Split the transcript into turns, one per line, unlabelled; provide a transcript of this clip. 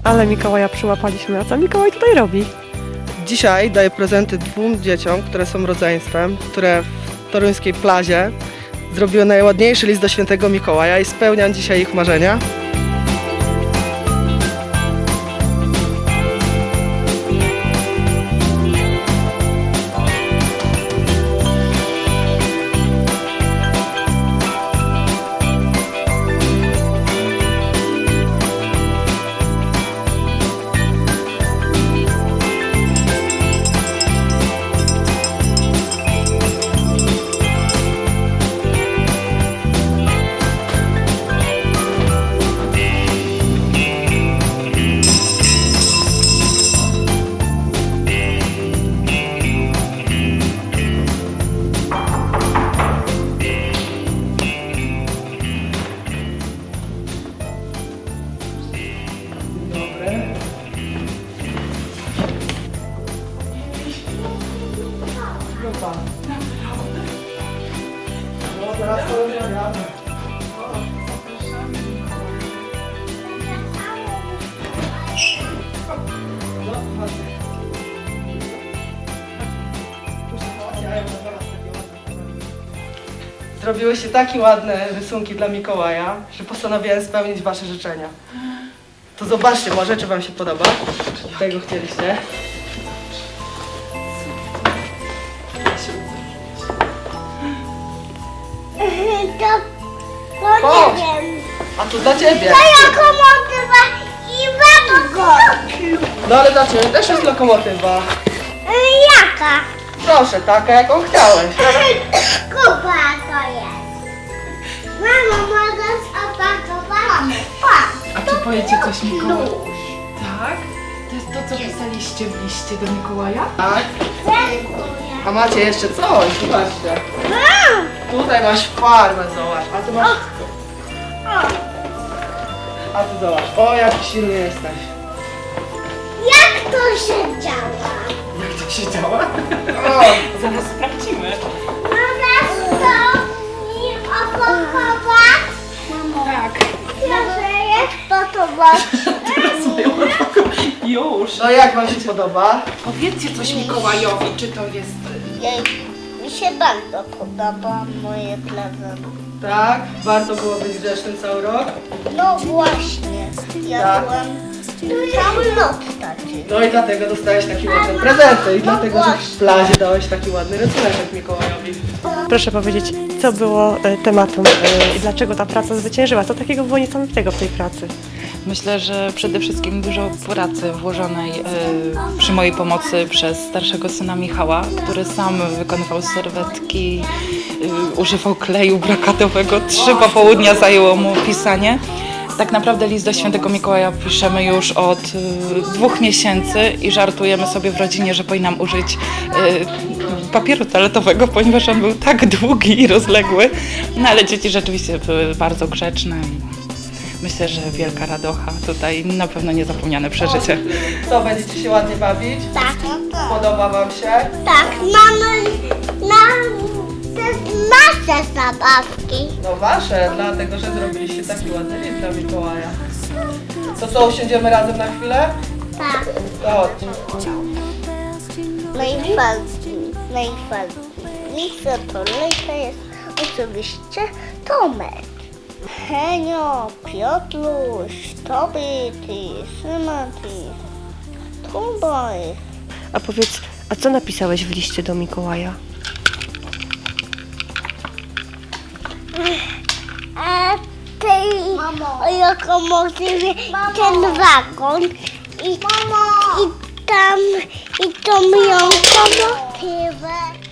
Ale Mikołaja przyłapaliśmy. A co Mikołaj tutaj robi?
Dzisiaj daję prezenty 2 dzieciom, które są rodzeństwem, które w toruńskiej plazie zrobiły najładniejszy list do świętego Mikołaja i spełniam dzisiaj ich marzenia. No teraz to rozmawiamy. Zrobiłyście takie ładne rysunki dla Mikołaja, że postanowiłem spełnić wasze życzenia. To zobaczcie może, czy wam się podoba. Czy tego chcieliście?
To nie wiem.
A tu dla ciebie.
To lokomotywa i wagon.
No ale dla ciebie też jest lokomotywa.
Jaka?
Proszę, taka jaką chciałeś.
Kuba to jest. Mamo, mogę opakować?
A czy powiecie coś Mikołaj? Tak? To jest to, co pisaliście w liście do Mikołaja?
Tak?
Dziękuję.
A macie jeszcze coś, zobaczcie. Tutaj masz farmę, zobacz. A ty masz... A ty zobacz. O, jaki silny jesteś.
Jak to się działa?
Jak to się działa? O,
Zaraz sprawdzimy.
Możesz to mi opakować? Mamo,
Tak.
proszę, jak to
Już.
no jak wam się podoba?
Powiedzcie coś Mikołajowi, czy to jest...
Mi się bardzo podoba moje prezenty.
Tak? Warto było być grzecznym cały rok?
No właśnie, ja
Tak.
byłem cały noc taki.
No i dlatego dostałeś takie ładne prezenty i dlatego, że w plazie dałeś taki ładny rysunek Mikołajowi.
Proszę powiedzieć, co było tematem i dlaczego ta praca zwyciężyła? Co takiego było niesamowitego w tej pracy?
Myślę, że przede wszystkim dużo pracy włożonej przy mojej pomocy przez starszego syna Michała, który sam wykonywał serwetki, używał kleju brokatowego. 3 popołudnia zajęło mu pisanie. Tak naprawdę list do świętego Mikołaja piszemy już od 2 miesięcy i żartujemy sobie w rodzinie, że powinnam użyć papieru toaletowego, ponieważ on był tak długi i rozległy. No ale dzieci rzeczywiście były bardzo grzeczne. Myślę, że wielka radocha tutaj, na pewno niezapomniane przeżycie.
Co, będziecie się ładnie bawić?
Tak,
Podoba wam się?
tak, mamy nasze zabawki.
No wasze, dlatego, że zrobiliście taki ładny list dla Mikołaja. To co, usiądziemy razem na chwilę?
Tak,
To chodź.
najważniejsze to jest oczywiście Tomek. Henio, Piotruś, Tobyty, Szymaty, Tuboj.
A powiedz, a co napisałeś w liście do Mikołaja?
A tej lokomotywie ten wagon i tą ją lokomotywę.